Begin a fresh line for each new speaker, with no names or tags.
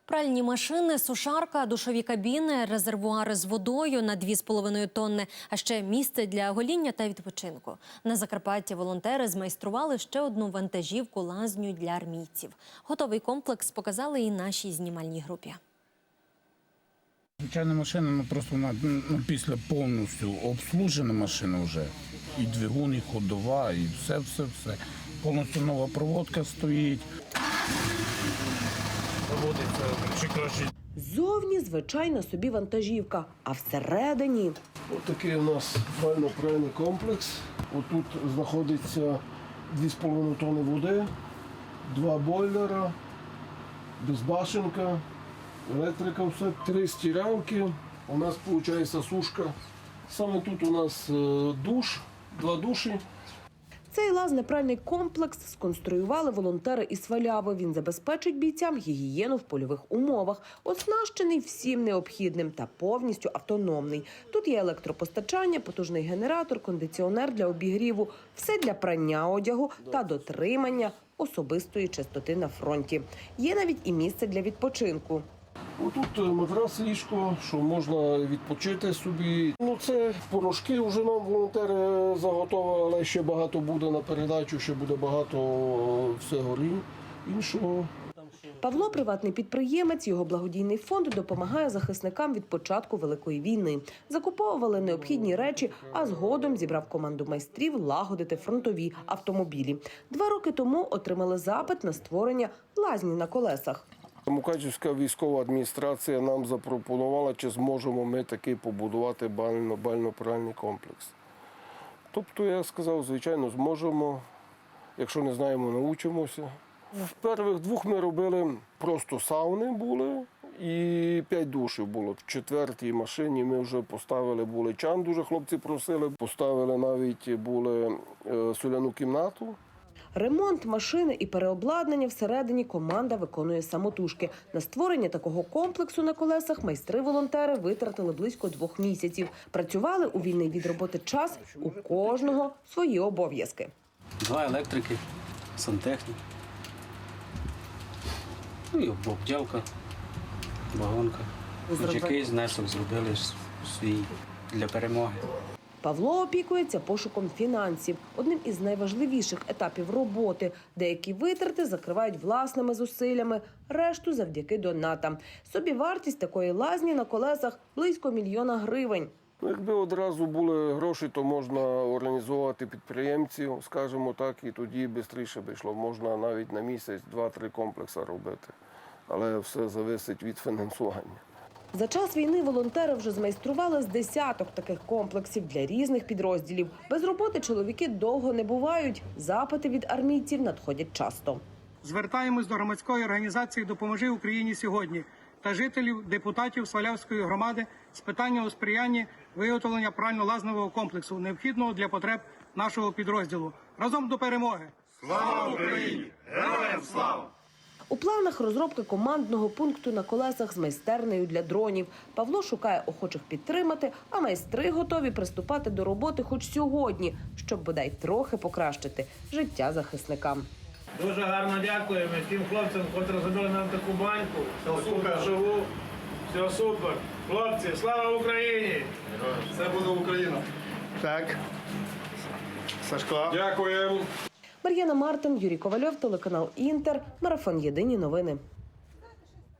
Пральні машини, сушарка, душові кабіни, резервуари з водою на 2,5 тонни, а ще місце для гоління та відпочинку. На Закарпатті волонтери змайстрували ще одну вантажівку-лазню для армійців. Готовий комплекс показали і нашій знімальній групі.
Звичайна машина, просто вона після повністю обслужена машина вже. І двигун, і ходова, і все. Повністю нова проводка стоїть.
Ззовні звичайна собі вантажівка, а всередині...
Ось такий у нас бально-пральний комплекс. Отут знаходиться 2,5 тонни води, 2 бойлера, безбашенка, електрика, все, 3 стиралки. У нас виходить сушка. Саме тут у нас душ, 2 душі.
Цей лазнепральний комплекс сконструювали волонтери із Сваляви. Він забезпечить бійцям гігієну в польових умовах, оснащений всім необхідним та повністю автономний. Тут є електропостачання, потужний генератор, кондиціонер для обігріву, все для прання одягу та дотримання особистої чистоти на фронті. Є навіть і місце для відпочинку.
Отут матрас, ліжко, що можна відпочити собі. Це порошки вже нам волонтери заготовили, але ще багато буде на передачу, ще буде багато всього іншого.
Павло – приватний підприємець, його благодійний фонд допомагає захисникам від початку Великої війни. Закуповували необхідні речі, а згодом зібрав команду майстрів лагодити фронтові автомобілі. 2 роки тому отримали запит на створення лазні на колесах.
Мукачівська військова адміністрація нам запропонувала, чи зможемо ми таки побудувати бально-пральний комплекс. Тобто я сказав, звичайно, зможемо, якщо не знаємо, навчимося. В перших 2 ми робили просто сауни були і 5 душів було. В 4-й машині ми вже поставили були чан, дуже хлопці просили, поставили навіть були соляну кімнату.
Ремонт машини і переобладнання всередині команда виконує самотужки. На створення такого комплексу на колесах майстри-волонтери витратили близько 2 місяців. Працювали у вільний від роботи час, у кожного свої обов'язки.
2 електрики, сантехнік, і обділка, вагонка. Хоч якийсь внесок зробили свій для перемоги.
Павло опікується пошуком фінансів. Одним із найважливіших етапів роботи. Деякі витрати закривають власними зусиллями, решту завдяки донатам. Собівартість такої лазні на колесах – близько 1 мільйона гривень.
Якби одразу були гроші, то можна організувати підприємців, скажімо так, і тоді швидше би йшло. Можна навіть на місяць 2-3 комплекси робити. Але все залежить від фінансування.
За час війни волонтери вже змайстрували з десяток таких комплексів для різних підрозділів. Без роботи чоловіки довго не бувають. Запити від армійців надходять часто.
Звертаємось до громадської організації «Допоможи Україні сьогодні» та жителів, депутатів Свалявської громади з питання у сприянні виготовлення прально-лазневого комплексу, необхідного для потреб нашого підрозділу. Разом до перемоги!
Слава Україні! Героям слава!
У планах розробки командного пункту на колесах з майстернею для дронів. Павло шукає охочих підтримати, а майстри готові приступати до роботи хоч сьогодні, щоб бодай трохи покращити життя захисникам.
Дуже гарно дякуємо тим хлопцям, котрі зробили нам таку баньку. Супер живу. Все супер. Хлопці, слава Україні!
Це буде Україна.
Так.
Сашко.
Дякуємо.
Мар'яна Мартин, Юрій Ковальов, телеканал «Інтер», марафон «Єдині новини».